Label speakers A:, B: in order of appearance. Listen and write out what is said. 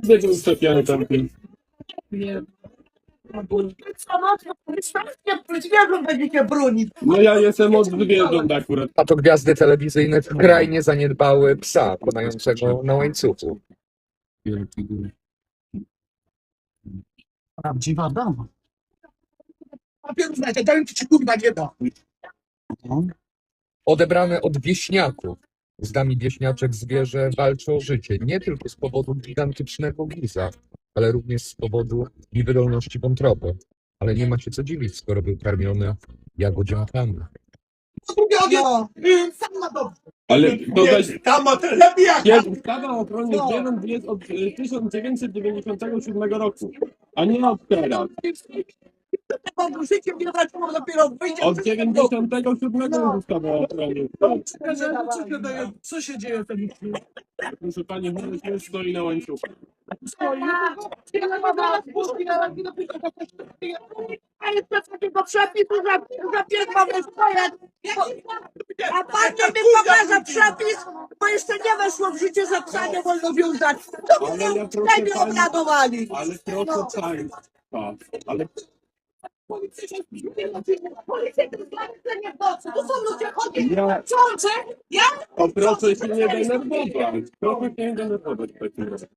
A: Będzie ustawiony tam.
B: Nie. Zwierząt będziecie bronić.
A: No ja jestem od zwierząt akurat.
C: A to gwiazdy telewizyjne skrajnie zaniedbały psa konającego na łańcuchu.
B: Prawdziwa dama. A pierwszy znacie, daję ci kurwa nie da.
C: Odebrane od wieśniaków. Z nami wieśniaczek zwierzę walczy o życie nie tylko z powodu gigantycznego giza, ale również z powodu niewydolności wątroby. Ale nie ma się co dziwić, skoro był karmiony jagodziankami.
B: No. Sam ma dobrze.
A: Ale to weź...
B: Tam ma lepiej jak ja.
A: Ustawa o ochronie zwierząt jest od 1997 roku, a nie od teraz.
B: Tego życie mnie zaczęło dopiero wyjdzie.
A: Od 97 jest ustawa o ochronie zwierząt.
B: Co się dzieje wtedy?
A: Proszę pani, już stoi na łańcuchu.
B: A jest bez takiego przepisu, że pies mamy stoję. A pan nie mi pokaże przepis, bo jeszcze nie weszło w życie, że psa nie wolno wiązać. To by
A: Ale ja
B: mnie
A: proszę
B: nie
A: pani-
B: obradowali.
A: Ale proszę państwa, ale
B: Policja nie w nocy, tu są ludzie chodzi.
A: ja...
B: Książę, ja?
A: O, proszę się nie denerwować. Proszę się nie denerwować w takim razie.